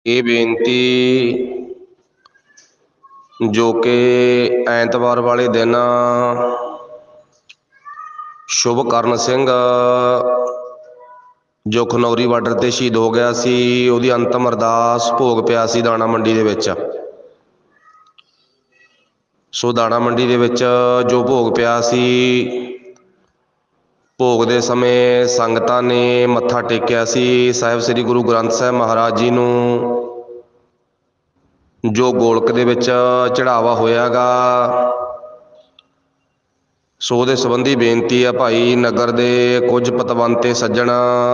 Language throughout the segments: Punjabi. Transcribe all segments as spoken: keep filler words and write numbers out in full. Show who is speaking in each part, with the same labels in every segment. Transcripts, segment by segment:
Speaker 1: ਇਹ ਬੇਨਤੀ ਜੋ ਕਿ ਐਤਵਾਰ ਵਾਲੇ ਦਿਨ ਸ਼ੁਭਕਰਨ ਸਿੰਘ ਜੋ ਖਨੌਰੀ ਬਾਰਡਰ ਤੇ ਸ਼ਹੀਦ ਹੋ ਗਿਆ ਸੀ, ਉਹਦੀ ਅੰਤਮ ਅਰਦਾਸ ਭੋਗ ਪਿਆ ਸੀ ਦਾਣਾ ਮੰਡੀ ਦੇ ਵਿੱਚ। ਸੋ ਦਾਣਾ ਮੰਡੀ ਦੇ ਵਿੱਚ ਜੋ ਭੋਗ ਪਿਆ ਸੀ, ਭੋਗ ਦੇ ਸਮੇਂ ਸੰਗਤਾਂ ਨੇ ਮੱਥਾ ਟੇਕਿਆ ਸੀ ਸਾਹਿਬ ਸ੍ਰੀ ਗੁਰੂ ਗ੍ਰੰਥ ਸਾਹਿਬ ਮਹਾਰਾਜ ਜੀ ਨੂੰ, ਜੋ ਗੋਲਕ ਦੇ ਵਿੱਚ ਚੜਾਵਾ ਹੋਇਆ ਗਾ। ਸੋ ਉਹਦੇ ਸੰਬੰਧੀ ਬੇਨਤੀ ਆ ਭਾਈ ਨਗਰ ਦੇ ਕੁਝ ਪਤਵੰਤੇ ਸੱਜਣ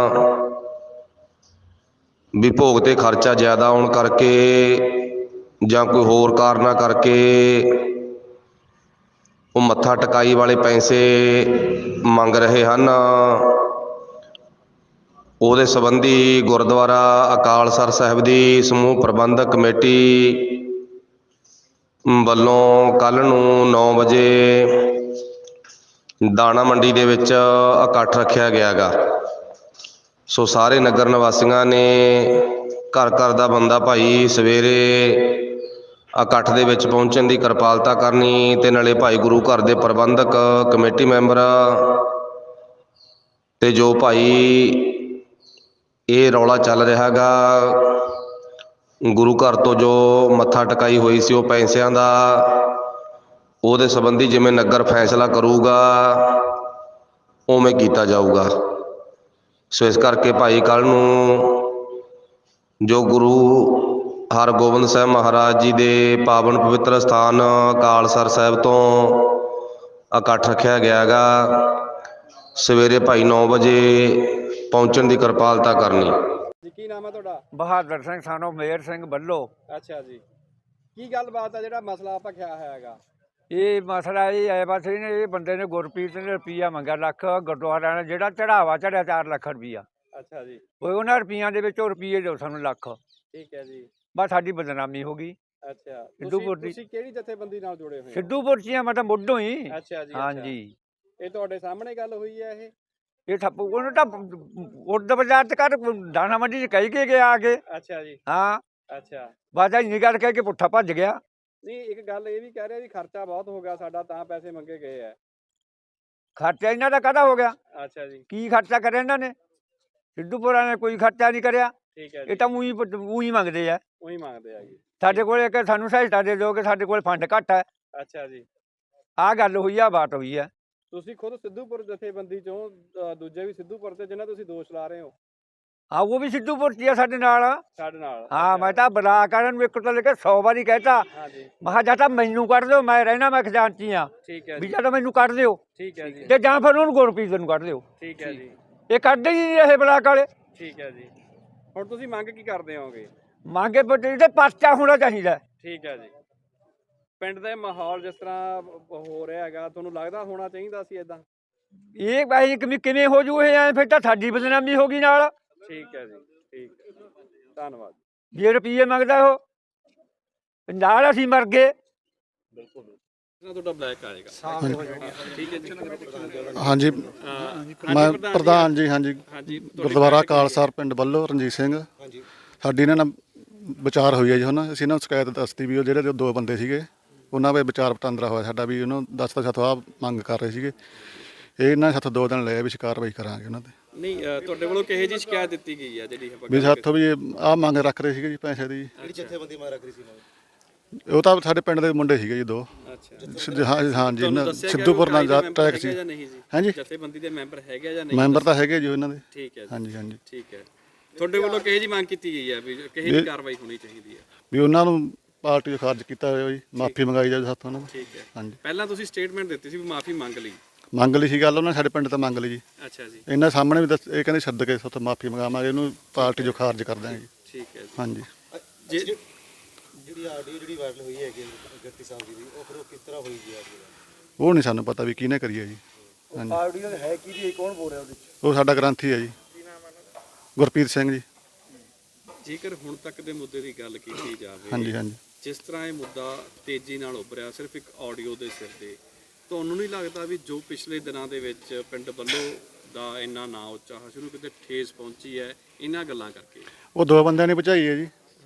Speaker 1: ਵੀ ਭੋਗ ਤੇ ਖਰਚਾ ਜ਼ਿਆਦਾ ਆਉਣ ਕਰਕੇ ਜਾਂ ਕੋਈ ਹੋਰ ਕਾਰਨਾਂ ਕਰਕੇ ਉਹ ਮੱਥਾ ਟਿਕਾਈ ਵਾਲੇ ਪੈਸੇ ਮੰਗ ਰਹੇ ਹਨ। ਉਹਦੇ ਸੰਬੰਧੀ ਗੁਰਦੁਆਰਾ ਅਕਾਲਸਰ ਸਾਹਿਬ ਦੀ ਸਮੂਹ ਪ੍ਰਬੰਧਕ ਕਮੇਟੀ ਵੱਲੋਂ ਕੱਲ੍ਹ ਨੂੰ ਨੌ ਵਜੇ ਦਾਣਾ ਮੰਡੀ ਦੇ ਵਿੱਚ ਇਕੱਠ ਰੱਖਿਆ ਗਿਆ ਗਾ। ਸੋ ਸਾਰੇ ਨਗਰ ਨਿਵਾਸੀਆਂ ਨੇ ਘਰ ਘਰ ਦਾ ਬੰਦਾ ਭਾਈ ਸਵੇਰੇ ਇਕੱਠ ਦੇ ਵਿੱਚ ਪਹੁੰਚਣ ਦੀ ਕਿਰਪਾਲਤਾ ਕਰਨੀ, ਅਤੇ ਨਾਲੇ ਭਾਈ ਗੁਰੂ ਘਰ ਦੇ ਪ੍ਰਬੰਧਕ ਕਮੇਟੀ ਮੈਂਬਰ ਤੇ ਜੋ ਭਾਈ ਇਹ ਰੌਲਾ ਚੱਲ ਰਿਹਾ ਗਾ ਗੁਰੂ ਘਰ ਤੋਂ ਜੋ ਮੱਥਾ ਟਿਕਾਈ ਹੋਈ ਸੀ ਉਹ ਪੈਸਿਆਂ ਦਾ, ਉਹਦੇ ਸੰਬੰਧੀ ਜਿਵੇਂ ਨਗਰ ਫੈਸਲਾ ਕਰੂਗਾ ਉਵੇਂ ਕੀਤਾ ਜਾਊਗਾ। ਸੋ ਇਸ ਕਰਕੇ ਭਾਈ ਕੱਲ੍ਹ ਨੂੰ ਜੋ ਗੁਰੂ ਹਰਗੋਬਿੰਦ ਸਾਹਿਬ ਮਹਾਰਾਜ ਜੀ ਦੇ ਪਾਵਨ ਪਵਿੱਤਰ ਸਥਾਨ ਅਕਾਲਸਰ ਸਾਹਿਬ ਤੋਂ ਇਕੱਠ ਰੱਖਿਆ ਗਿਆ ਗਾ, ਸਵੇਰੇ ਭਾਈ ਨੌ ਵਜੇ ਪਹੁੰਚਣ ਦੀ ਕਿਰਪਾਲਤਾ ਕਰਨੀ।
Speaker 2: ਜੀ ਕੀ ਨਾਮ ਹੈ ਤੁਹਾਡਾ?
Speaker 3: ਬਹਾਦਰ ਸਿੰਘ ਸਾਨੂੰ ਮੇਰ ਸਿੰਘ ਬੱਲੋ।
Speaker 2: ਅੱਛਾ ਜੀ, ਕੀ ਗੱਲਬਾਤ ਹੈ ਜਿਹੜਾ ਮਸਲਾ ਆਪਾਂ ਕਿਹਾ ਹੈਗਾ?
Speaker 3: ਇਹ ਮਸਲਾ ਇਹ ਹੈ ਬਸ ਇਹਨੇ ਇਹ ਬੰਦੇ ਨੇ ਗੁਰਪ੍ਰੀਤ ਨੇ ਰੁਪਈਆ ਮੰਗਿਆ ਲੱਖ, ਗੁਰਦੁਆਰਾ ਨੇ ਜਿਹੜਾ ਚੜਾਵਾ ਚੜਿਆ ਚਾਰ ਲੱਖ ਰੁਪਈਆ।
Speaker 2: ਅੱਛਾ ਜੀ,
Speaker 3: ਉਹ ਉਹਨਾਂ ਰੁਪਈਆਂ ਦੇ ਵਿੱਚੋਂ ਰੁਪਈਏ ਦਿਓ ਸਾਨੂੰ ਲੱਖ।
Speaker 2: ਠੀਕ ਹੈ ਜੀ।
Speaker 3: ਬਸ ਸਾਡੀ ਬਦਨਾਮੀ ਹੋ ਗਈ।
Speaker 2: ਅੱਛਾ,
Speaker 3: ਸਿੱਧੂਪੁਰ ਦੀ।
Speaker 2: ਤੁਸੀਂ ਕਿਹੜੀ ਜਥੇਬੰਦੀ ਨਾਲ ਜੁੜੇ ਹੋਏ ਹੋ?
Speaker 3: ਸਿੱਧੂਪੁਰ ਚੀਆਂ ਮੈਂ ਤਾਂ ਮੁੱਢੋਂ ਹੀ।
Speaker 2: ਅੱਛਾ ਜੀ,
Speaker 3: ਹਾਂਜੀ।
Speaker 2: ਇਹ ਤੁਹਾਡੇ ਸਾਹਮਣੇ ਗੱਲ ਹੋਈ ਹੈ ਇਹ?
Speaker 3: ਇਹ ਠੱਪ ਉਹਨੂੰ ਤਾਂ ਉਰਦ ਬਾਜ਼ਾਰ ਚ ਕਰ ਦਾਣਾ ਮੰਡੀ ਚ ਕਹਿ ਕੇ ਗਿਆ ਆ ਕੇ।
Speaker 2: ਅੱਛਾ ਜੀ।
Speaker 3: ਹਾਂ
Speaker 2: ਅੱਛਾ,
Speaker 3: ਬਸ ਇੰਨੀ ਗੱਲ ਕਹਿ ਕੇ ਪੁੱਠਾ ਭੱਜ ਗਿਆ।
Speaker 2: ਨਹੀਂ ਇੱਕ ਗੱਲ ਇਹ ਵੀ ਕਹਿ ਰਿਹਾ ਵੀ ਖਰਚਾ ਬਹੁਤ ਹੋ ਗਿਆ ਸਾਡਾ ਤਾਂ ਪੈਸੇ ਮੰਗੇ ਗਏ ਆ।
Speaker 3: ਖਰਚਾ ਇਹਨਾਂ ਦਾ ਕਾਹਦਾ ਹੋ ਗਿਆ?
Speaker 2: ਅੱਛਾ ਜੀ,
Speaker 3: ਕੀ ਖਰਚਾ ਕਰਿਆ ਇਹਨਾਂ ਨੇ? ਸਿੱਧੂਪੁਰਾਂ ਨੇ ਕੋਈ ਖਰਚਾ ਨਹੀਂ ਕਰਿਆ।
Speaker 2: ਠੀਕ ਹੈ
Speaker 3: ਇਹ
Speaker 2: ਜੀ।
Speaker 3: ਤਾਂ ਉਹੀ ਉਹੀ ਮੰਗਦੇ ਆ।
Speaker 2: ਉਹੀ ਮੰਗਦੇ ਆ ਜੀ।
Speaker 3: ਸਾਡੇ ਕੋਲ ਇੱਕ ਸਾਨੂੰ ਸਹਾਇਤਾ ਦੇ ਦਿਓ ਕਿ ਸਾਡੇ ਕੋਲ ਫੰਡ ਘੱਟ ਹੈ।
Speaker 2: ਅੱਛਾ ਜੀ,
Speaker 3: ਆਹ ਗੱਲ ਹੋਈ ਆ, ਬਾਤ ਹੋਈ ਆ।
Speaker 2: ਤੁਸੀਂ ਖੁਦ ਸਿੱਧੂਪੁਰ ਜਥੇਬੰਦੀ ਚੋਂ, ਅ, ਦੂਜੇ ਵੀ ਸਿੱਧੂਪੁਰ ਤੇ ਜਿਹਨਾਂ ਤੁਸੀਂ ਦੋਸ਼ ਲਾ ਰਹੇ ਹੋ?
Speaker 3: ਹਾਂ ਉਹ ਵੀ ਸਿੱਧੂਪੁਰ ਚ ਆ ਸਾਡੇ ਨਾਲ।
Speaker 2: ਸਾਡੇ ਨਾਲ?
Speaker 3: ਹਾਂ ਮੈਂ ਤਾਂ ਬਲਾ ਕਰਨ ਨੂੰ ਇੱਕ ਤੋਂ ਲੈ ਕੇ ਸੌ ਵਾਰੀ ਕਹਿਤਾ,
Speaker 2: ਹਾਂਜੀ,
Speaker 3: ਮੈਂ ਕਿਹਾ ਜਾਂ ਤਾਂ ਮੈਨੂੰ ਕੱਢ ਦਿਓ, ਮੈਂ ਰਹਿਣਾ ਮੈਂ ਖਜ਼ਾਨਚੀ ਆ,
Speaker 2: ਠੀਕ ਹੈ
Speaker 3: ਵੀ
Speaker 2: ਜੀ।
Speaker 3: ਜਾਂ ਤਾਂ ਮੈਨੂੰ ਕੱਢ ਦਿਓ
Speaker 2: ਠੀਕ ਹੈ ਜੀ,
Speaker 3: ਤੇ ਜਾਂ ਫਿਰ ਉਹਨੂੰ ਗੁਰਪ੍ਰੀਤ ਨੂੰ ਕੱਢ ਦਿਓ।
Speaker 2: ਠੀਕ ਹੈ ਜੀ,
Speaker 3: ਇਹ ਕੱਢਦੇ ਹੀ ਨਹੀਂ ਰਹੇ ਬਲਾਕ ਵਾਲੇ।
Speaker 2: ਠੀਕ ਹੈ ਜੀ। ਹੁਣ ਤੁਸੀਂ ਮੰਗ ਕੀ ਕਰਦੇ ਹੋਗੇ?
Speaker 3: ਮੰਗੇ ਬੱਟੇ ਤੇ ਪਰਚਾ ਹੋਣਾ ਚਾਹੀਦਾ।
Speaker 2: ਠੀਕ ਹੈ ਜੀ। ਪਿੰਡ ਦਾ ਮਾਹੌਲ ਜਿਸ ਤਰ੍ਹਾਂ ਹੋ ਰਿਹਾ ਹੈਗਾ, ਤੁਹਾਨੂੰ ਲੱਗਦਾ ਹੋਣਾ ਚਾਹੀਦਾ ਸੀ ਇਦਾਂ?
Speaker 3: ਇਹ ਭਾਈ ਕਿਵੇਂ ਕਿਵੇਂ ਹੋ ਜੂ ਇਹ ਐ? ਫਿਰ ਤਾਂ ਸਾਡੀ ਬਦਨਾਮੀ ਹੋ ਗਈ ਨਾਲ।
Speaker 2: ਠੀਕ ਹੈ ਜੀ, ਠੀਕ ਹੈ, ਧੰਨਵਾਦ।
Speaker 3: ਜੇ ਰੁਪਈਏ ਮੰਗਦਾ ਉਹ ਨਾਲ ਅਸੀਂ ਮਰ ਗਏ।
Speaker 2: ਬਿਲਕੁਲ ਤੁਹਾਡਾ ਬਲੈਕ ਆਏਗਾ। ਠੀਕ ਹੈ ਜੀ।
Speaker 4: ਹਾਂਜੀ ਮੈਂ ਪ੍ਰਧਾਨ ਜੀ। ਹਾਂਜੀ
Speaker 2: ਹਾਂਜੀ,
Speaker 4: ਗੁਰਦੁਆਰਾ ਅਕਾਲਸਰ ਪਿੰਡ ਵੱਲੋਂ ਰਣਜੀਤ ਸਿੰਘ। ਸਾਡੀ ਇਹਨਾਂ ਨਾਲ ਵਿਚਾਰ ਹੋਈ ਹੈ ਜੀ। ਹੁਣ ਅਸੀਂ ਇਹਨਾਂ ਨੂੰ ਸ਼ਿਕਾਇਤ ਦੱਸਤੀ ਵੀ ਉਹ ਜਿਹੜੇ ਦੋ ਬੰਦੇ ਸੀਗੇ ਉਹਨਾਂ ਵੇ ਵਿਚਾਰ ਵਟਾਂਦਰਾ ਹੋਇਆ ਸਾਡਾ, ਵੀ ਉਹਨੂੰ ਦਸ ਸਾਥੋਂ ਆਹ ਮੰਗ ਕਰ ਰਹੇ ਸੀਗੇ। ਇਹ ਇਹਨਾਂ ਸਾਥੋਂ ਦੋ ਦਿਨ ਲਏ ਵੀ ਕਾਰਵਾਈ ਕਰਾਂਗੇ ਉਹਨਾਂ 'ਤੇ।
Speaker 2: ਨਹੀਂ ਤੁਹਾਡੇ ਵੱਲੋਂ ਕਿਹੋ ਜਿਹੀ ਸ਼ਿਕਾਇਤ ਦਿੱਤੀ ਗਈ ਹੈ ਜਿਹੜੀ
Speaker 4: ਵੀ ਸਾਥੋਂ ਵੀ ਆਹ ਮੰਗ ਰੱਖ ਰਹੇ ਸੀਗੇ ਜੀ ਪੈਸੇ ਦੀ।
Speaker 2: ਕਿਹੜੀ ਜਥੇਬੰਦੀ ਮੰਗ ਰੱਖ ਰਹੀ ਸੀ?
Speaker 4: ਉਹ ਤਾਂ ਸਾਡੇ ਪਿੰਡ ਦੇ ਮੁੰਡੇ ਸੀਗੇ ਜੀ ਦੋ।
Speaker 2: ਅੱਛਾ,
Speaker 4: ਹਾਂ ਹਾਂਜੀ, ਸਿੱਧੂਪੁਰ ਨਾਲ ਟਰੈਕ ਸੀ। ਹਾਂਜੀ,
Speaker 2: ਜਥੇਬੰਦੀ ਦੇ ਮੈਂਬਰ ਹੈਗੇ ਜਾਂ ਨਹੀਂ?
Speaker 4: ਮੈਂਬਰ ਤਾਂ ਹੈਗੇ ਜੀ ਉਹਨਾਂ ਦੇ।
Speaker 2: ਠੀਕ ਹੈ ਜੀ।
Speaker 4: ਹਾਂਜੀ ਹਾਂਜੀ,
Speaker 2: ਠੀਕ ਹੈ। ਤੁਹਾਡੇ ਵੱਲੋਂ ਕਿਹੋ ਜਿਹੀ ਮੰਗ ਕੀਤੀ ਗਈ ਹੈ ਵੀ ਕਿਹੋ ਜਿਹੀ ਕਾਰਵਾਈ ਹੋਣੀ ਚਾਹੀਦੀ ਹੈ?
Speaker 4: ਵੀ ਉਹਨਾਂ ਨੂੰ ਪਾਰਟੀ ਤੋਂ ਖਾਰਜ ਕੀਤਾ ਹੋਇਆ ਜੀ, ਮਾਫੀ ਮੰਗਾਈ ਜਾਵੇ ਸਾਥੋਂ ਉਹਨਾਂ ਨੂੰ।
Speaker 2: ਠੀਕ ਹੈ।
Speaker 4: ਹਾਂਜੀ,
Speaker 2: ਪਹਿਲਾਂ ਤੁਸੀਂ ਸਟੇਟਮੈਂਟ ਦਿੱਤੀ ਸੀ ਵੀ ਮਾਫੀ ਮੰਗ ਲਈ?
Speaker 4: ਮੰਗ ਲਈ ਸੀ ਗੱਲ, ਉਹਨਾਂ ਨੇ ਸਾਡੇ ਪਿੰਡ ਤੋਂ ਮੰਗ ਲਈ ਜੀ।
Speaker 2: ਅੱਛਾ ਜੀ।
Speaker 4: ਇਹਨਾਂ ਸਾਹਮਣੇ ਵੀ ਦੱਸ, ਇਹ ਕਹਿੰਦੇ ਸੱਦ ਕੇ ਸਾਥੋਂ ਮਾਫੀ ਮੰਗਾਵਾਂਗੇ, ਇਹਨੂੰ ਪਾਰਟੀ ਜੋ ਖਾਰਜ ਕਰ ਦਾਂਗੇ ਜੀ।
Speaker 2: ਠੀਕ ਹੈ ਜੀ।
Speaker 4: ਹਾਂਜੀ।
Speaker 2: ਜੇ
Speaker 5: ਜਿਹੜੀ ਆਡੀਓ ਜਿਹੜੀ ਵਾਇਰਲ ਹੋਈ ਹੈਗੀ ਗੱਤੀ ਸਾਹਿਬ ਜੀ ਦੀ, ਉਹ ਫਿਰ ਉਹ ਕਿਸ ਤਰ੍ਹਾਂ ਹੋਈ ਜੀ?
Speaker 4: ਉਹ ਨਹੀਂ ਸਾਨੂੰ ਪਤਾ ਵੀ ਕਿਹਨੇ ਕਰੀ ਹੈ ਜੀ। ਹਾਂਜੀ,
Speaker 5: ਆਡੀਓ ਹੈ ਕੀ ਜੀ? ਕੌਣ ਬੋਲ ਰਿਹਾ ਉਹਦੇ ਵਿੱਚ?
Speaker 4: ਉਹ ਸਾਡਾ ਗ੍ਰੰਥੀ ਹੈ ਜੀ, ਗੁਰਪ੍ਰੀਤ ਸਿੰਘ ਜੀ।
Speaker 2: ਜੇਕਰ ਹੁਣ ਤੱਕ ਦੇ ਮੁੱਦੇ ਦੀ ਗੱਲ ਕੀਤੀ ਜਾਵੇ,
Speaker 4: ਹਾਂਜੀ ਹਾਂਜੀ,
Speaker 2: ਜਿਸ ਤਰ੍ਹਾਂ ਇਹ ਮੁੱਦਾ ਤੇਜ਼ੀ ਨਾਲ ਉੱਭਰਿਆ ਸਿਰਫ ਇੱਕ ਆਡੀਓ ਦੇ ਸਿਰ ਤੇ, ਤੁਹਾਨੂੰ ਨਹੀਂ ਲੱਗਦਾ ਵੀ ਜੋ ਪਿਛਲੇ ਦਿਨਾਂ ਦੇ ਵਿੱਚ ਪਿੰਡ ਵੱਲੋਂ ਦਾ ਇੰਨਾ ਨਾਂ ਉੱਚਾ ਸ਼ੁਰੂ ਕਿਤੇ ਠੇਸ ਪਹੁੰਚੀ ਹੈ ਇਹਨਾਂ ਗੱਲਾਂ ਕਰਕੇ?
Speaker 4: ਉਹ ਦੋ ਬੰਦਿਆਂ ਨੇ ਭਜਾਈ ਹੈ ਜੀ।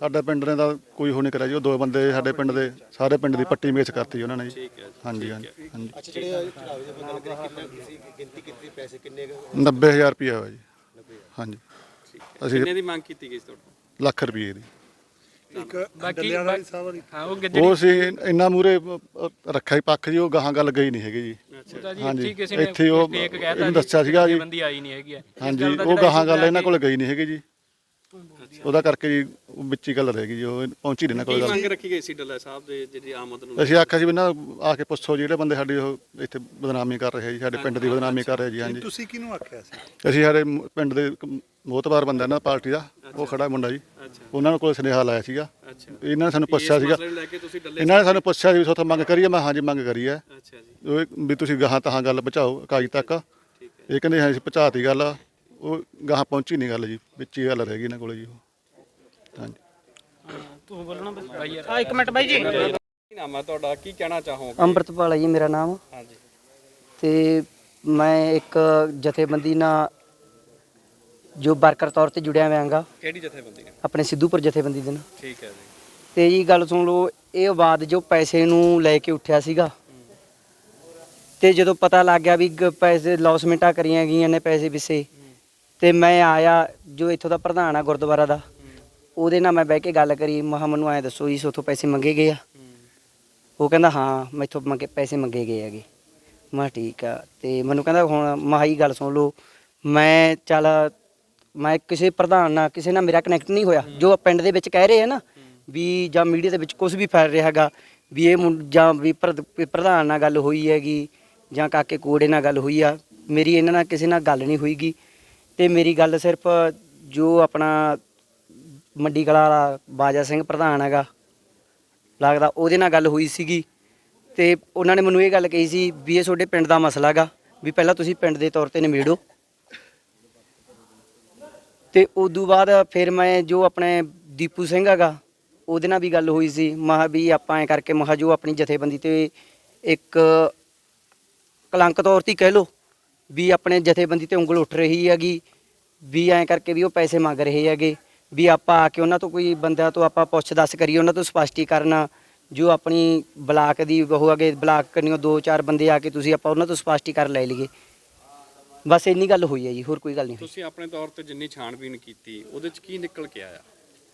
Speaker 4: ਸਾਡਾ ਪਿੰਡ ਨੇ ਤਾਂ ਕੋਈ ਹੋ ਨਹੀਂ ਕਰਿਆ ਜੀ। ਉਹ ਦੋ ਬੰਦੇ ਸਾਡੇ ਪਿੰਡ ਦੇ, ਸਾਰੇ ਪਿੰਡ ਦੀ ਪੱਟੀ ਮੇਚ ਕਰਤੀ ਜੀ ਉਹਨਾਂ ਨੇ ਜੀ।
Speaker 2: ਠੀਕ ਹੈ ਜੀ।
Speaker 4: ਹਾਂਜੀ ਹਾਂਜੀ ਹਾਂਜੀ
Speaker 5: ਅੱਛਾ ਜਿਹੜੇ ਚੜਾਵੇ ਦੀ ਗੱਲ ਕਰੀ ਕਿੰਨਾ ਤੁਸੀਂ ਗਿਣਤੀ ਕੀਤੀ ਪੈਸੇ ਕਿੰਨੇ ਕੁ?
Speaker 4: ਨੱਬੇ ਹਜ਼ਾਰ ਰੁਪਇਆ ਹੋਇਆ ਜੀ। ਹਾਂਜੀ
Speaker 2: ਠੀਕ ਹੈ।
Speaker 4: ਅਸੀਂ
Speaker 2: ਕਿੰਨੇ ਦੀ ਮੰਗ ਕੀਤੀ ਗਈ ਸੀ ਤੁਹਾਡੇ
Speaker 4: ਲੱਖ ਰੁਪਏ ਦੀ।
Speaker 6: ਬਾਕੀ ਹਾਂ ਉਹ
Speaker 4: ਉਹ ਸੀ ਇੰਨਾ ਮੂਰੇ ਰੱਖਿਆ ਹੀ ਪੱਖ ਜੀ, ਉਹ ਗਾਹਾਂ ਗੱਲ ਗਈ ਨਹੀਂ ਹੈਗੀ ਜੀ।
Speaker 2: ਅੱਛਾ
Speaker 6: ਜੀ
Speaker 4: ਹਾਂਜੀ,
Speaker 6: ਇੱਥੇ ਕਿਸੇ ਨੇ
Speaker 4: ਇੱਥੇ ਉਹ
Speaker 6: ਫੇਕ ਕਹਿਤਾ
Speaker 4: ਇਹਨੂੰ ਦੱਸਿਆ ਸੀਗਾ ਜੀ।
Speaker 6: ਬੰਦੀ ਆਈ ਨਹੀਂ ਹੈਗੀ ਹੈ। ਇਸ
Speaker 4: ਹਾਂਜੀ
Speaker 6: ਗੱਲ ਦਾ
Speaker 4: ਉਹ
Speaker 6: ਜਿਹੜਾ
Speaker 4: ਗਾਹਾਂ
Speaker 6: issue
Speaker 4: ਗੱਲ ਇਹਨਾਂ
Speaker 6: ਕਿ
Speaker 4: ਕੋਲ ਗਈ ਨਹੀਂ ਹੈਗੀ ਜੀ। ਉਹਦਾ ਕਰਕੇ ਜੀ ਉਹ ਵਿੱਚ ਹੀ ਗੱਲ ਰਹਿ ਗਈ ਜੀ, ਉਹ ਪਹੁੰਚੀ ਨਹੀਂ ਇਹਨਾਂ
Speaker 2: ਕੀ
Speaker 4: ਕੋਲ
Speaker 2: ਮੰਗ
Speaker 4: ਗੱਲ।
Speaker 2: ਰੱਖੀ ਗਈ ਸੀ ਡੱਲਾ ਸਾਹਿਬ ਦੇ ਜਿਹੜੀ ਆਮਦ ਨੂੰ?
Speaker 4: ਅਸੀਂ ਆਖਿਆ ਸੀ ਵੀ ਨਾ ਆ ਕੇ ਪੁੱਛੋ ਜਿਹੜੇ ਬੰਦੇ ਸਾਡੀ ਉਹ ਇੱਥੇ ਬਦਨਾਮੀ ਕਰ ਰਹੇ ਜੀ, ਸਾਡੇ ਪਿੰਡ ਦੀ ਬਦਨਾਮੀ ਕਰ ਰਹੇ ਜੀ। ਹਾਂਜੀ
Speaker 5: ਤੁਸੀਂ ਕਿਹਨੂੰ ਆਖਿਆ ਸੀ?
Speaker 4: ਅਸੀਂ ਸਾਡੇ ਮ- ਪਿੰਡ ਦੇ ਇੱਕ ਮੋਹਤਬਾਰ ਬੰਦਾ ਨਾ ਪਾਰਟੀ ਦਾ, ਉਹ ਖੜਾ ਮੁੰਡਾ ਜੀ,
Speaker 2: ਅੱਛਾ
Speaker 4: ਉਹਨਾਂ ਨੂੰ ਕੋਲ ਸੁਨੇਹਾ ਲਾਇਆ ਸੀਗਾ।
Speaker 2: ਅੱਛਾ।
Speaker 4: ਇਹਨਾਂ ਨੇ ਸਾਨੂੰ ਪੁੱਛਿਆ
Speaker 2: ਇਸ
Speaker 4: ਸੀਗਾ,
Speaker 2: ਮਸਲੇ ਨੂੰ ਲੈ ਕੇ ਤੁਸੀਂ ਡੱਲੇ
Speaker 4: ਇਹਨਾਂ ਨੇ ਸਾਨੂੰ ਪੁੱਛਿਆ ਸੀ ਵੀ ਸੋਥੋਂ ਮੰਗ ਕਰੀਏ। ਮੈਂ ਹਾਂਜੀ ਮੰਗ ਕਰੀ ਹੈ।
Speaker 2: ਅੱਛਾ ਜੀ।
Speaker 4: ਉਹ ਵੀ ਤੁਸੀਂ ਗਾਹਾਂ ਤਹਾਂ ਗੱਲ ਪਹੁੰਚਾਓ ਇਕਾਈ ਤੱਕ।
Speaker 2: ਠੀਕ ਹੈ।
Speaker 4: ਇਹ ਕਹਿੰਦੇ ਹਾਂ ਅਸੀਂ ਪਹੁੰਚਾਤੀ ਗੱਲ, ਉਹ ਗਾਹਾਂ ਪਹੁੰਚੀ ਨਹੀਂ ਗੱਲ ਜੀ, ਵਿੱਚ ਹੀ ਗੱਲ ਰਹਿ ਗਈ ਇਹਨਾਂ ਕੋਲ ਜੀ। ਉਹ ਹਾਂਜੀ
Speaker 6: ਤੂੰ ਬੋਲਣਾ ਬਸ ਬਾਈ ਯਾਰ। ਆ ਇੱਕ ਮਿੰਟ ਬਾਈ ਜੀ।
Speaker 2: ਕੀ ਨਾਮ ਹੈ ਤੁਹਾਡਾ? ਕੀ ਕਹਿਣਾ ਚਾਹੋਗੇ?
Speaker 7: ਅੰਮ੍ਰਿਤਪਾਲ ਹੈ ਜੀ ਮੇਰਾ ਨਾਮ।
Speaker 2: ਹਾਂਜੀ।
Speaker 7: ਤੇ ਮੈਂ ਇੱਕ ਜਥੇਬੰਦੀ ਨਾਲ ਜੋ ਵਰਕਰ ਤੌਰ ਤੇ ਜੁੜਿਆ ਹੋਇਆਂਗਾ,
Speaker 2: ਕਿਹੜੀ ਜਥੇਬੰਦੀ ਨੇ?
Speaker 7: ਆਪਣੇ ਸਿੱਧੂਪੁਰ ਜਥੇਬੰਦੀ ਦੇ ਨਾਲ।
Speaker 2: ਠੀਕ ਹੈ ਜੀ।
Speaker 7: ਤੇ ਜੀ ਗੱਲ ਸੁਣ ਲਓ, ਇਹ ਆਵਾਜ਼ ਜੋ ਪੈਸੇ ਨੂੰ ਲੈ ਕੇ ਉੱਠਿਆ ਸੀਗਾ, ਤੇ ਜਦੋਂ ਪਤਾ ਲੱਗ ਗਿਆ ਵੀ ਗ- ਪੈਸੇ ਲੌਸਮੈਂਟਾਂ ਕਰੀਆਂ ਗਈਆਂ ਨੇ ਪੈਸੇ ਪਿੱਛੇ, ਤੇ ਮੈਂ ਆਇਆ ਜੋ ਇੱਥੋਂ ਦਾ ਪ੍ਰਧਾਨ ਆ ਗੁਰਦੁਆਰਾ ਦਾ, ਉਹਦੇ ਨਾਲ ਮੈਂ ਬਹਿ ਕੇ ਗੱਲ ਕਰੀ। ਮੈਂ ਕਿਹਾ ਮੈਨੂੰ ਐਂ ਦੱਸੋ ਜੀ ਸੋਥੋਂ ਪੈਸੇ ਮੰਗੇ ਗਏ ਆ? ਉਹ ਕਹਿੰਦਾ ਹਾਂ ਮੈਥੋਂ ਮੰਗੇ ਪੈਸੇ ਮੰਗੇ ਗਏ ਹੈਗੇ। ਮੈਂ ਕਿਹਾ ਠੀਕ ਆ। ਤੇ ਮੈਨੂੰ ਕਹਿੰਦਾ ਹੁਣ ਮਹਾਈ ਗੱਲ ਸੁਣ ਲਓ, ਮੈਂ ਚੱਲ ਮੈਂ ਕਿਸੇ ਪ੍ਰਧਾਨ ਨਾਲ ਕਿਸੇ ਨਾਲ ਮੇਰਾ ਕਨੈਕਟ ਨਹੀਂ ਹੋਇਆ। ਜੋ ਪਿੰਡ ਦੇ ਵਿੱਚ ਕਹਿ ਰਹੇ ਆ ਨਾ ਵੀ ਜਾਂ ਮੀਡੀਆ ਦੇ ਵਿੱਚ ਕੁਝ ਵੀ ਫੈਲ ਰਿਹਾ ਹੈਗਾ ਵੀ ਇਹ ਮੁੰ- ਜਾਂ ਵੀ ਪ੍ਰ- ਵੀ ਪ੍ਰਧਾਨ ਨਾਲ ਗੱਲ ਹੋਈ ਹੈਗੀ ਜਾਂ ਕਾਕੇ ਕੋੜੇ ਨਾਲ ਗੱਲ ਹੋਈ ਆ, ਮੇਰੀ ਇਹਨਾਂ ਨਾਲ ਕਿਸੇ ਨਾਲ ਗੱਲ ਨਹੀਂ ਹੋਈਗੀ। ਤੇ ਮੇਰੀ ਗੱਲ ਸਿਰਫ ਜੋ ਆਪਣਾ ਮੰਡੀ ਕਲਾ ਵਾਲਾ ਬਾਜਾ ਸਿੰਘ ਪ੍ਰਧਾਨ ਹੈਗਾ ਲੱਗਦਾ, ਉਹਦੇ ਨਾਲ ਗੱਲ ਹੋਈ ਸੀਗੀ। ਤੇ ਉਹਨਾਂ ਨੇ ਮੈਨੂੰ ਇਹ ਗੱਲ ਕਹੀ ਸੀ ਵੀ ਇਹ ਤੁਹਾਡੇ ਪਿੰਡ ਦਾ ਮਸਲਾ ਹੈਗਾ, ਵੀ ਪਹਿਲਾਂ ਤੁਸੀਂ ਪਿੰਡ ਦੇ ਤੌਰ ਤੇ ਨਿਬੇੜੋ। ਤੇ ਉਦੋਂ ਬਾਅਦ ਫਿਰ ਮੈਂ ਜੋ ਆਪਣੇ ਦੀਪੂ ਸਿੰਘ ਹੈਗਾ ਉਹਦੇ ਨਾਲ ਵੀ ਗੱਲ ਹੋਈ ਸੀ। ਮਹਾ ਵੀ ਆਪਾਂ ਐਂ ਕਰਕੇ ਮਹਾ ਜੋ ਆਪਣੀ ਜਥੇਬੰਦੀ ਤੇ ਇੱਕ ਕਲੰਕ ਤੌਰ ਤੇ ਕਹਿ ਲਓ ਵੀ ਆਪਣੇ ਜਥੇਬੰਦੀ ਤੇ ਉਂਗਲ ਉੱਠ ਰਹੀ ਹੈਗੀ, ਵੀ ਐਂ ਕਰਕੇ ਵੀ ਉਹ ਪੈਸੇ ਮੰਗ ਰਹੇ ਹੈਗੇ, ਵੀ ਆਪਾਂ ਆ ਕੇ ਉਹਨਾਂ ਤੋਂ ਕੋਈ ਬੰਦਿਆਂ ਤੋਂ ਆਪਾਂ ਪੁੱਛ ਦੱਸ ਕਰੀਏ, ਉਹਨਾਂ ਤੋਂ ਸਪਸ਼ਟੀਕਰਨ ਜੋ ਆਪਣੀ ਬਲਾਕ ਦੀ ਉਹ ਅੱਗੇ ਬਲਾਕ ਕਰਨੀਓ ਦੋ ਚਾਰ ਬੰਦੇ ਆ ਕੇ ਤੁਸੀਂ ਆਪਾਂ ਉਹਨਾਂ ਤੋਂ ਸਪਸ਼ਟੀਕਰਨ ਲੈ ਲਈਏ। ਬਸ ਇੰਨੀ ਗੱਲ ਹੋਈ ਹੈ ਜੀ, ਹੋਰ ਕੋਈ ਗੱਲ ਨਹੀਂ ਹੋਈ।
Speaker 2: ਤੁਸੀਂ ਆਪਣੇ ਤੌਰ ਤੇ ਜਿੰਨੀ ਛਾਣਬੀਨ ਕੀਤੀ ਉਹਦੇ ਚ ਕੀ ਨਿਕਲ ਕੇ ਆਇਆ?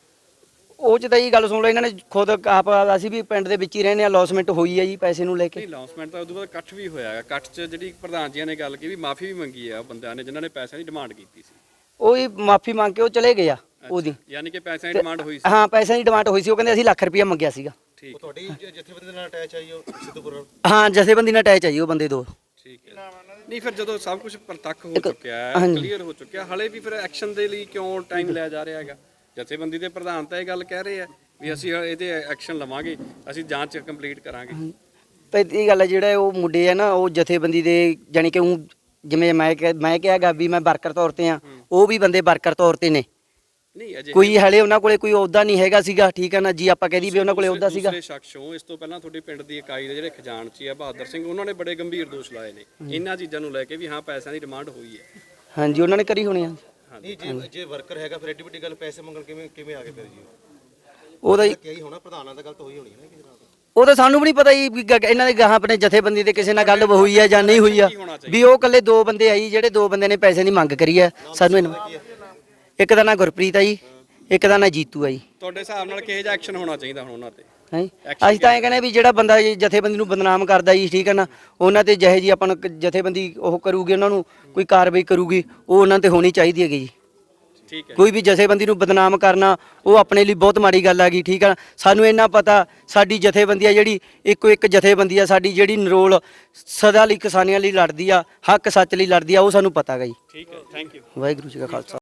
Speaker 7: ਉਹ ਚ ਤਾਂ ਇਹ ਗੱਲ ਸੁਣ ਲਓ, ਇਹਨਾਂ ਨੇ ਖੁਦ ਆਪ ਅਸੀਂ ਵੀ ਪਿੰਡ ਦੇ ਵਿੱਚ ਹੀ ਰਹਿੰਦੇ ਆ, ਲੌਸਮੈਂਟ ਹੋਈ ਹੈ ਜੀ ਪੈਸੇ ਨੂੰ ਲੈ ਕੇ।
Speaker 2: ਨਹੀਂ ਅਨਾਉਂਸਮੈਂਟ ਤਾਂ ਉਦੋਂ ਬਾਅਦ ਇਕੱਠ ਵੀ ਹੋਇਆ ਹੈ। ਇਕੱਠ 'ਚ ਜਿਹੜੀ ਪ੍ਰਧਾਨ ਜੀਆਂ ਨੇ ਗੱਲ ਕੀਤੀ ਵੀ ਮਾਫੀ ਵੀ ਮੰਗੀ ਹੈ ਉਹ ਬੰਦਿਆਂ ਨੇ ਜਿਨ੍ਹਾਂ ਨੇ ਪੈਸਿਆਂ ਦੀ ਡਿਮਾਂਡ ਕੀਤੀ ਸੀ।
Speaker 7: ਉਹ ਹੀ ਮਾਫੀ ਮੰਗ ਕੇ ਉਹ ਚਲੇ ਗਏ ਆ ਉਹਦੀ।
Speaker 2: ਯਾਨੀ ਕਿ ਪੈਸਿਆਂ ਦੀ ਡਿਮਾਂਡ ਹੋਈ ਸੀ।
Speaker 7: ਹਾਂ ਪੈਸਿਆਂ ਦੀ ਡਿਮਾਂਡ ਹੋਈ ਸੀ, ਉਹ ਕਹਿੰਦੇ ਅਸੀਂ ਲੱਖ ਰੁਪਇਆ ਮੰਗਿਆ ਸੀਗਾ।
Speaker 2: ਠੀਕ
Speaker 5: ਉਹ ਤੁਹਾਡੀ ਜ- ਜਥੇਬੰਦੀ ਦੇ ਨਾਲ ਅਟੈਚ ਆਈ ਉਹ ਸਿੱਧੂਪੁਰ ਨਾਲ?
Speaker 7: ਹਾਂ ਜਥੇਬੰਦੀ ਨਾਲ ਅਟੈਚ ਆ ਜੀ ਉਹ ਬੰਦੇ ਦੋ।
Speaker 2: ਠੀਕ ਹੈ। ਨਹੀਂ ਫਿਰ ਜਦੋਂ ਸਭ ਕੁਝ ਪ੍ਰਤੱਖ ਹੋ
Speaker 7: ਇੱਕ-
Speaker 2: ਚੁੱਕਿਆ ਹੈ,
Speaker 7: ਹਾਂਜੀ।
Speaker 2: ਕਲੀਅਰ ਹੋ ਚੁੱਕਿਆ, ਹਲੇ ਵੀ ਫਿਰ ਐਕਸ਼ਨ ਦੇ ਲਈ ਕਿਉਂ ਟਾਈਮ ਲਿਆ ਜਾ ਰਿਹਾ ਹੈਗਾ? ਜਥੇਬੰਦੀ ਦੇ ਪ੍ਰਧਾਨ ਤਾਂ ਇਹ ਗੱਲ ਕਹਿ ਰਹੇ ਆ ਵੀ ਅਸੀਂ ਇਹਦੇ ਐਕਸ਼ਨ ਲਵਾਂਗੇ, ਅਸੀਂ ਜਾਂਚ ਕੰਪਲੀਟ ਕਰਾਂਗੇ।
Speaker 7: ਤੇ ਇਹ ਗੱਲ ਹੈ ਜਿਹੜਾ ਉਹ ਮੁੰਡੇ ਆ ਨਾ ਉਹ ਜਥੇਬੰਦੀ ਦੇ ਜਾਣੀ ਕਿ ਉਹ ਜਿਵੇਂ ਮੈਂ ਕਿਹਾ- ਮੈਂ ਕਿਹਾਗਾ ਵੀ ਮੈਂ ਵਰਕਰ ਤੌਰ ਤੇ ਆ, ਉਹ ਵੀ ਬੰਦੇ ਵਰਕਰ ਤੌਰ ਤੇ ਨੇ।
Speaker 2: ਨਹੀਂ ਅਜੇ
Speaker 7: ਕੋਈ ਹਲੇ ਉਹਨਾਂ ਕੋਲੇ ਕੋਈ ਅਹੁਦਾ ਨਹੀਂ ਹੈਗਾ ਸੀਗਾ, ਠੀਕ ਹੈ ਨਾ ਜੀ, ਆਪਾਂ ਕਹਿ ਦਈਏ ਵੀ ਉਹਨਾਂ ਕੋਲੇ ਅਹੁਦਾ ਸੀਗਾ।
Speaker 2: ਦੂਸਰੇ ਸ਼ਖਸ ਹੋ, ਇਸ ਤੋਂ ਪਹਿਲਾਂ ਤੁਹਾਡੀ ਪਿੰਡ ਦੀ ਇਕਾਈ ਦੇ ਜਿਹੜੇ ਖਜ਼ਾਨਚੀ ਆ ਬਹਾਦਰ ਸਿੰਘ, ਉਹਨਾਂ ਨੇ ਬੜੇ ਗੰਭੀਰ ਦੋਸ਼ ਲਾਏ ਨੇ ਇਹਨਾਂ ਚੀਜ਼ਾਂ ਨੂੰ ਲੈ ਕੇ ਵੀ ਹਾਂ ਪੈਸਿਆਂ ਦੀ ਡਿਮਾਂਡ ਹੋਈ ਹੈ।
Speaker 7: ਹਾਂਜੀ ਉਹਨਾਂ ਨੇ ਕਰੀ ਹੋਣੀ ਆ।
Speaker 5: ਨਹੀਂ ਜੇ ਜੇ ਵਰਕਰ ਹੈਗਾ ਫਿਰ ਐਡੀ ਵੱਡੀ ਗੱਲ ਪੈਸੇ ਮੰਗਣ ਕਿਵੇਂ ਕਿਵੇਂ ਆ ਗਏ ਫਿਰ ਜੀ?
Speaker 7: ਉਹਦਾ ਹੀ
Speaker 5: ਕਿਹਾ ਹੀ ਹੋਣਾ ਪ੍ਰਧਾਨਾਂ ਦਾ ਗੱਲ ਤਾਂ ਹੋਈ ਹੋਣੀ ਹੈ ਨਾ ਕਿਸੇ ਨਾਲ।
Speaker 7: ਉਹ ਤਾਂ ਸਾਨੂੰ ਵੀ ਨਹੀਂ ਪਤਾ ਜੀ ਵੀ ਗ- ਇਹਨਾਂ ਦੇ ਗਾਹਾਂ ਆਪਣੇ ਜਥੇਬੰਦੀ ਦੇ ਕਿਸੇ ਨਾਲ ਗੱਲ ਹੋਈ ਹੈ ਜਾਂ ਨਹੀਂ ਹੋਈ ਆ, ਵੀ ਉਹ ਇਕੱਲੇ ਦੋ ਬੰਦੇ ਆਈ ਜਿਹੜੇ ਦੋ ਬੰਦੇ ਨੇ ਪੈਸੇ ਦੀ ਮੰਗ ਕਰੀ ਹੈ ਸਾਨੂੰ ਇਹਨਾਂ- ਇੱਕ ਦਾ ਨਾਂ ਗੁਰਪ੍ਰੀਤ ਆ ਜੀ, ਇੱਕ ਦਾ ਨਾਂ ਜੀਤੂ ਆ ਜੀ।
Speaker 2: ਤੁਹਾਡੇ ਹਿਸਾਬ ਨਾਲ ਕਿਹੋ ਜਿਹਾ ਐਕਸ਼ਨ ਹੋਣਾ ਚਾਹੀਦਾ ਹੁਣ ਉਹਨਾਂ ਤੇ?
Speaker 7: ਹੈ ਅਸੀਂ ਤਾਂ ਇਹ ਕਹਿੰਦੇ ਵੀ ਜਿਹੜਾ ਬੰਦਾ ਜੀ ਜਥੇਬੰਦੀ ਨੂੰ ਬਦਨਾਮ ਕਰਦਾ ਜੀ, ਠੀਕ ਹੈ ਨਾ, ਉਹਨਾਂ ਤੇ ਜਿਹੇ ਜੀ ਆਪਾਂ ਨੂੰ ਕ- ਜਥੇਬੰਦੀ ਉਹ ਕਰੂਗੀ, ਉਹਨਾਂ ਨੂੰ ਕੋਈ ਕਾਰਵਾਈ ਕਰੂਗੀ, ਉਹ ਉਹਨਾਂ ਤੇ ਹੋਣੀ ਚਾਹੀਦੀ ਹੈਗੀ ਜੀ।
Speaker 2: ਠੀਕ ਹੈ।
Speaker 7: ਕੋਈ ਵੀ ਜਥੇਬੰਦੀ ਨੂੰ ਬਦਨਾਮ ਕਰਨਾ ਉਹ ਆਪਣੇ ਲਈ ਬਹੁਤ ਮਾੜੀ ਗੱਲ ਹੈਗੀ, ਠੀਕ ਹੈ ਨਾ। ਸਾਨੂੰ ਇੰਨਾ ਪਤਾ ਸਾਡੀ ਜਥੇਬੰਦੀ ਆ ਜਿਹੜੀ ਇੱਕੋ ਇੱਕ ਜਥੇਬੰਦੀ ਆ ਸਾਡੀ ਜਿਹੜੀ ਨਰੋਲ ਸਦਾ ਲਈ ਕਿਸਾਨੀਆਂ ਲਈ ਲੜਦੀ ਆ, ਹੱਕ ਸੱਚ ਲਈ ਲੜਦੀ ਆ, ਉਹ ਸਾਨੂੰ ਪਤਾ ਹੈਗਾ ਜੀ।
Speaker 2: ਠੀਕ ਹੈ, ਥੈਂਕ ਯੂ।
Speaker 7: ਵਾਹਿਗੁਰੂ ਜੀ ਕਾ ਖਾਲਸਾ।